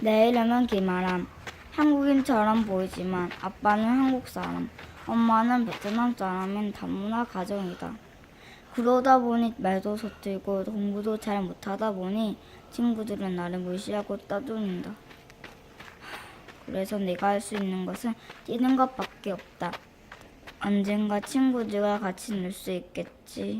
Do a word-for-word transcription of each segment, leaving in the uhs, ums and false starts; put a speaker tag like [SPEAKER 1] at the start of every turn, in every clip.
[SPEAKER 1] 내 이름은 김아람. 한국인처럼 보이지만 아빠는 한국 사람, 엄마는 베트남 사람인 다문화 가정이다. 그러다 보니 말도 서툴고 공부도 잘 못하다 보니 친구들은 나를 무시하고 따돌린다. 그래서 내가 할 수 있는 것은 뛰는 것밖에 없다. 언젠가 친구들과 같이 놀 수 있겠지.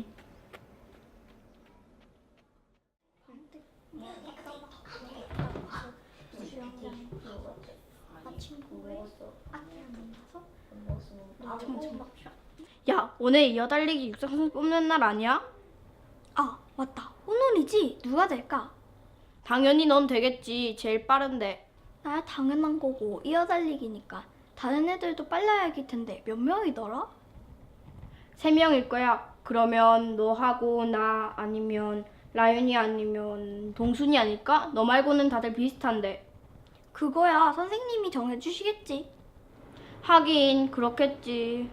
[SPEAKER 2] 야, 오늘 이어달리기 육상선수 뽑는 날 아니야?
[SPEAKER 3] 아, 맞다. 오늘이지? 누가 될까?
[SPEAKER 2] 당연히 넌 되겠지. 제일 빠른데.
[SPEAKER 3] 나야 당연한 거고 이어달리기니까 다른 애들도 빨라야 할 텐데 몇 명이더라?
[SPEAKER 2] 세 명일 거야. 그러면 너하고 나 아니면 라윤이 아니면 동순이 아닐까? 너 말고는 다들 비슷한데.
[SPEAKER 3] 그거야 선생님이 정해주시겠지.
[SPEAKER 2] 하긴 그렇겠지.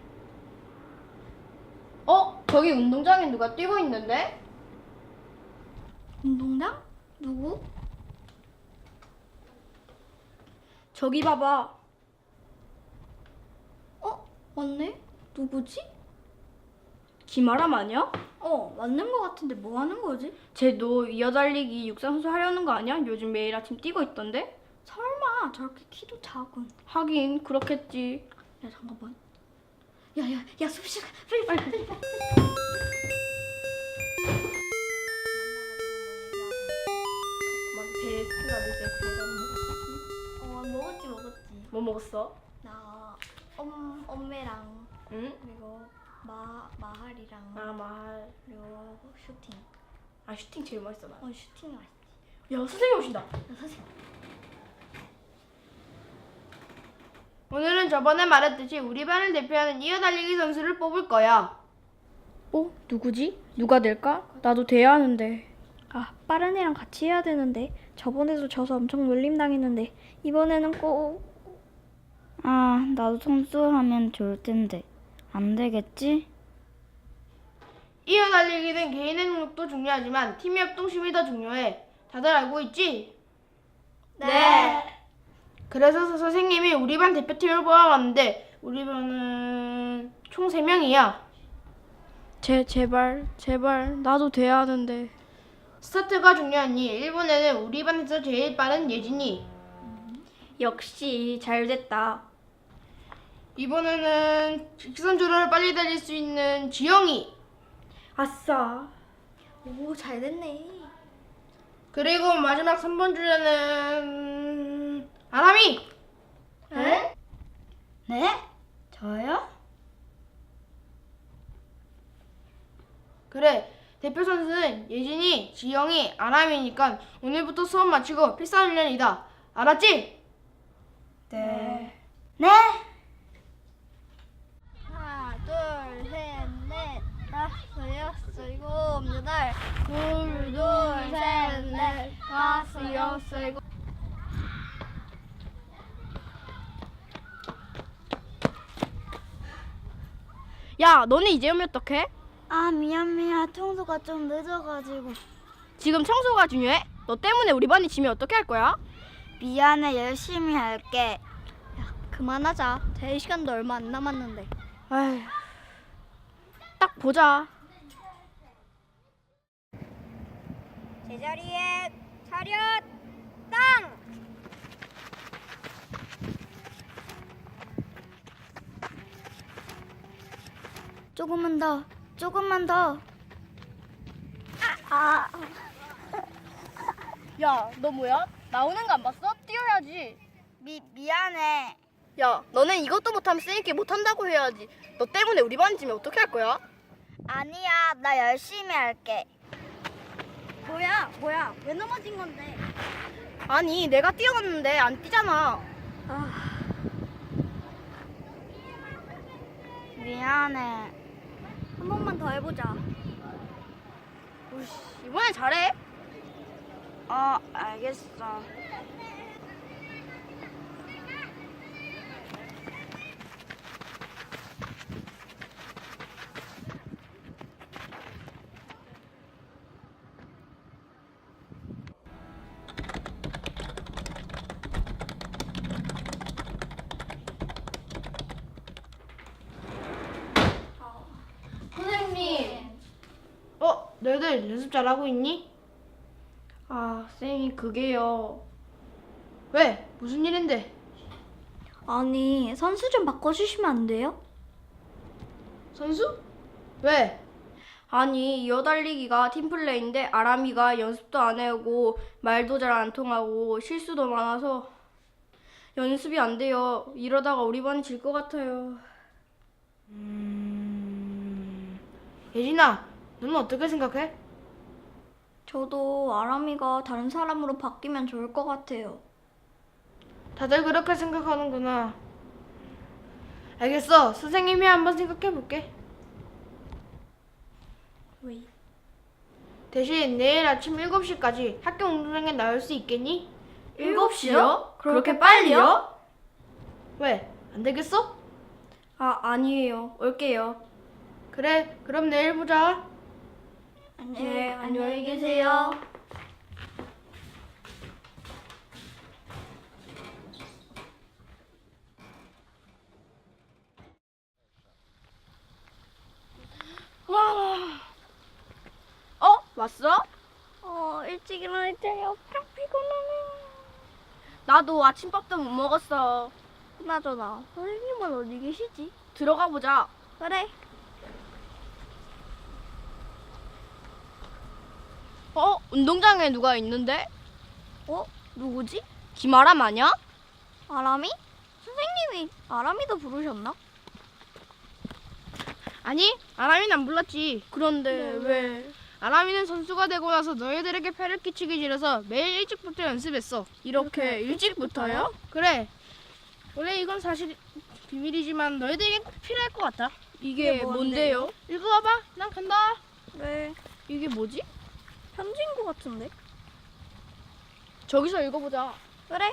[SPEAKER 2] 어? 저기 운동장에 누가 뛰고 있는데?
[SPEAKER 3] 운동장? 누구?
[SPEAKER 2] 저기 봐봐.
[SPEAKER 3] 어? 맞네? 누구지?
[SPEAKER 2] 김아람 아니야?
[SPEAKER 3] 어, 맞는 거 같은데 뭐 하는 거지?
[SPEAKER 2] 쟤도 이어달리기 육상선수 하려는 거 아니야? 요즘 매일 아침 뛰고 있던데?
[SPEAKER 3] 설마 저렇게 키도 작은.
[SPEAKER 2] 하긴 그렇겠지.
[SPEAKER 3] 야, 잠깐만. 야, 야, 야, 숲시간. 빨리, 빨리, 빨리. 빨리. 어, 먹었지, 먹었지.
[SPEAKER 2] 뭐 먹었어?
[SPEAKER 3] 나 엄, 엄매랑
[SPEAKER 2] 응?
[SPEAKER 3] 그리고 마, 마할이랑
[SPEAKER 2] 아, 말.
[SPEAKER 3] 그리고 슈팅.
[SPEAKER 2] 아, 슈팅 제일 맛있어, 나.
[SPEAKER 3] 어, 슈팅 맛있지.
[SPEAKER 2] 야, 선생님 오신다.
[SPEAKER 3] 야, 선생님.
[SPEAKER 2] 오늘은 저번에 말했듯이 우리 반을 대표하는 이어달리기 선수를 뽑을 거야. 어? 누구지? 누가 될까? 나도 돼야 하는데.
[SPEAKER 3] 아, 빠른 애랑 같이 해야 되는데 저번에도 져서 엄청 놀림당했는데 이번에는 꼭.
[SPEAKER 1] 아, 나도 선수하면 좋을 텐데. 안 되겠지?
[SPEAKER 2] 이어달리기는 개인의 능력도 중요하지만 팀의 협동심이 더 중요해. 다들 알고 있지?
[SPEAKER 3] 네.
[SPEAKER 2] 그래서 선생님이 우리 반 대표팀을 뽑아봤는데 우리 반은 총 세 명이야. 제, 제발, 제발, 나도 돼야 하는데. 스타트가 중요하니 일본에는 우리 반에서 제일 빠른 예진이. 역시 잘 됐다. 이번에는 직선주로를 빨리 달릴 수 있는 지영이. 아싸.
[SPEAKER 3] 오, 잘 됐네.
[SPEAKER 2] 그리고 마지막 삼 번 주자는 아람이.
[SPEAKER 3] 에?
[SPEAKER 1] 네? 저요?
[SPEAKER 2] 그래, 대표 선수는 예진이, 지영이, 아람이니까 오늘부터 수업 마치고 필사훈련이다. 알았지?
[SPEAKER 1] 네. 네?
[SPEAKER 3] 하나, 둘, 셋, 넷, 다섯, 여섯, 일곱, 여덟. 둘, 둘, 셋, 넷, 다섯, 여섯, 일곱.
[SPEAKER 2] 야, 너네 이제 오면 어떡해?
[SPEAKER 1] 아, 미안, 미안. 청소가 좀 늦어가지고.
[SPEAKER 2] 지금 청소가 중요해? 너 때문에 우리 반이 지면 어떻게 할 거야?
[SPEAKER 1] 미안해, 열심히 할게.
[SPEAKER 3] 그만하자. 대회 시간도 얼마 안 남았는데.
[SPEAKER 2] 아휴, 딱 보자.
[SPEAKER 3] 제자리에 차렷 땅!
[SPEAKER 1] 조금만 더, 조금만 더.
[SPEAKER 3] 아,
[SPEAKER 2] 야, 너 뭐야? 나오는 거 안 봤어? 뛰어야지.
[SPEAKER 1] 미, 미안해.
[SPEAKER 2] 야, 너는 이것도 못하면 쌤께 못한다고 해야지. 너 때문에 우리 반이 지면 어떻게 할 거야?
[SPEAKER 1] 아니야, 나 열심히 할게.
[SPEAKER 3] 뭐야, 뭐야. 왜 넘어진 건데?
[SPEAKER 2] 아니, 내가 뛰어갔는데 안 뛰잖아.
[SPEAKER 3] 아,
[SPEAKER 1] 미안해.
[SPEAKER 3] 한 번만 더 해보자.
[SPEAKER 2] 우씨, 이번엔 잘해.
[SPEAKER 1] 어, 알겠어.
[SPEAKER 2] 너희들 연습 잘하고 있니? 아, 쌤이 그게요. 왜? 무슨 일인데?
[SPEAKER 3] 아니, 선수 좀 바꿔주시면 안 돼요?
[SPEAKER 2] 선수? 왜? 아니, 이어달리기가 팀플레이인데 아람이가 연습도 안 해오고 말도 잘 안 통하고 실수도 많아서 연습이 안 돼요. 이러다가 우리 반이 질 것 같아요. 음... 예진아, 너는 어떻게 생각해?
[SPEAKER 3] 저도 아람이가 다른 사람으로 바뀌면 좋을 것 같아요.
[SPEAKER 2] 다들 그렇게 생각하는구나. 알겠어. 선생님이 한번 생각해 볼게.
[SPEAKER 3] 왜?
[SPEAKER 2] 대신 내일 아침 일곱 시까지 학교 운동장에 나올 수 있겠니?
[SPEAKER 3] 일곱 시요? 그렇게 빨리요?
[SPEAKER 2] 왜? 안 되겠어?
[SPEAKER 3] 아, 아니에요. 올게요.
[SPEAKER 2] 그래, 그럼 내일 보자.
[SPEAKER 3] 네, 안녕히 계세요.
[SPEAKER 2] 어? 왔어?
[SPEAKER 3] 어, 일찍 일어날 때 엄청 피곤하네.
[SPEAKER 2] 나도 아침밥도 못 먹었어.
[SPEAKER 3] 그나저나, 선생님은 어디 계시지?
[SPEAKER 2] 들어가 보자.
[SPEAKER 3] 그래.
[SPEAKER 2] 어? 운동장에 누가 있는데?
[SPEAKER 3] 어? 누구지?
[SPEAKER 2] 김아람 아냐?
[SPEAKER 3] 아람이? 선생님이 아람이도 부르셨나?
[SPEAKER 2] 아니, 아람이는 안 불렀지. 그런데
[SPEAKER 3] 네,
[SPEAKER 2] 왜? 아람이는 선수가 되고 나서 너희들에게 패를 끼치기 싫어서 매일 일찍부터 연습했어. 이렇게 일찍부터요? 그래. 원래 이건 사실 비밀이지만 너희들에게 꼭 필요할 것 같아. 이게
[SPEAKER 3] 이게 뭔데요?
[SPEAKER 2] 뭔데요? 읽어봐봐. 난 간다.
[SPEAKER 3] 네.
[SPEAKER 2] 이게 뭐지?
[SPEAKER 3] 편지인 것 같은데?
[SPEAKER 2] 저기서 읽어보자.
[SPEAKER 3] 그래.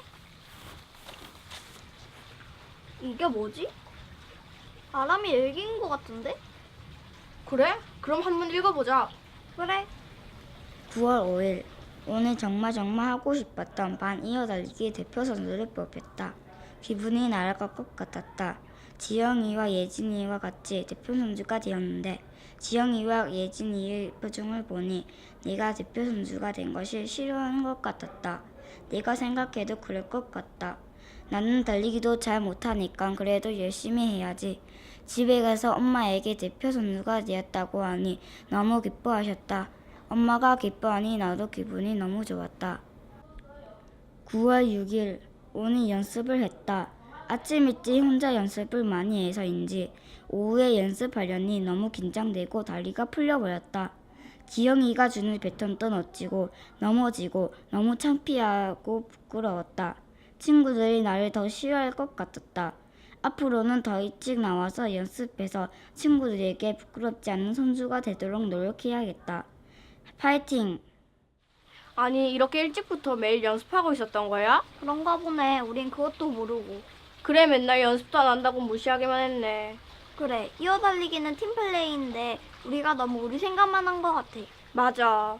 [SPEAKER 3] 이게 뭐지? 아람이 일기인 것 같은데?
[SPEAKER 2] 그래? 그럼 한번 읽어보자.
[SPEAKER 3] 그래.
[SPEAKER 1] 구월 오일 오늘 정말 정말 하고 싶었던 반 이어달리기 대표 선수를 뽑혔다. 기분이 날아갈 것 같았다. 지영이와 예진이와 같이 대표 선수가 되었는데 지영이와 예진이의 표정을 보니 내가 대표 선수가 된 것이 싫어하는 것 같았다. 내가 생각해도 그럴 것 같다. 나는 달리기도 잘 못하니까 그래도 열심히 해야지. 집에 가서 엄마에게 대표 선수가 되었다고 하니 너무 기뻐하셨다. 엄마가 기뻐하니 나도 기분이 너무 좋았다. 구월 육일 오늘 연습을 했다. 아침 일찍 혼자 연습을 많이 해서인지 오후에 연습하려니 너무 긴장되고 다리가 풀려버렸다. 지영이가 주는 배턴도 놓치고 넘어지고 너무 창피하고 부끄러웠다. 친구들이 나를 더 싫어할 것 같았다. 앞으로는 더 일찍 나와서 연습해서 친구들에게 부끄럽지 않은 선수가 되도록 노력해야겠다. 파이팅!
[SPEAKER 2] 아니, 이렇게 일찍부터 매일 연습하고 있었던 거야?
[SPEAKER 3] 그런가 보네. 우린 그것도 모르고.
[SPEAKER 2] 그래, 맨날 연습도 안 한다고 무시하기만 했네.
[SPEAKER 3] 그래. 이어달리기는 팀플레이인데 우리가 너무 우리 생각만 한 것 같아.
[SPEAKER 2] 맞아.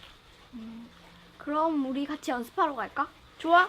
[SPEAKER 3] 그럼 우리 같이 연습하러 갈까?
[SPEAKER 2] 좋아.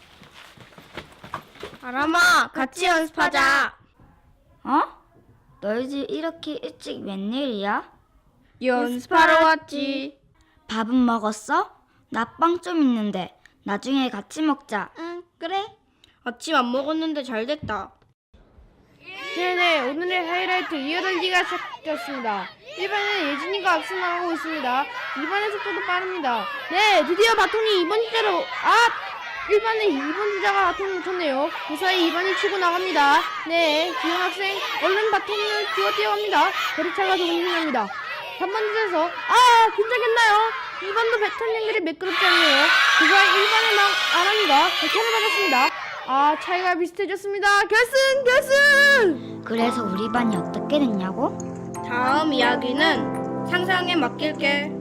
[SPEAKER 2] 아람아, 같이 연습하자.
[SPEAKER 1] 어? 너희들 이렇게 일찍 웬일이야?
[SPEAKER 2] 연습하러 왔지.
[SPEAKER 1] 밥은 먹었어? 나 빵 좀 있는데 나중에 같이 먹자.
[SPEAKER 3] 응, 그래.
[SPEAKER 2] 아침 안 먹었는데 잘 됐다. 네네, 오늘의 하이라이트 이어달리기가 시작되었습니다. 일 반은 예진이가 앞서나가고 있습니다. 이 반의 속도도 빠릅니다. 네, 드디어 바통이 이 번 주자로 아! 일 반에 이 번 주자가 바통을 놓쳤네요. 그 사이 이 반이 치고 나갑니다. 네, 지영 학생 얼른 바통을 쥐어 뛰어갑니다. 거리차가 동생합니다. 삼 번 주자에서 아! 긴장했나요? 이 반도 배턴 연결이 매끄럽지 않네요. 그 사이 일 반의 막 아랑이가 배턴을 받았습니다. 아, 차이가 비슷해졌습니다. 결승! 결승!
[SPEAKER 1] 그래서 우리 반이 어떻게 됐냐고?
[SPEAKER 2] 다음 이야기는 상상에 맡길게.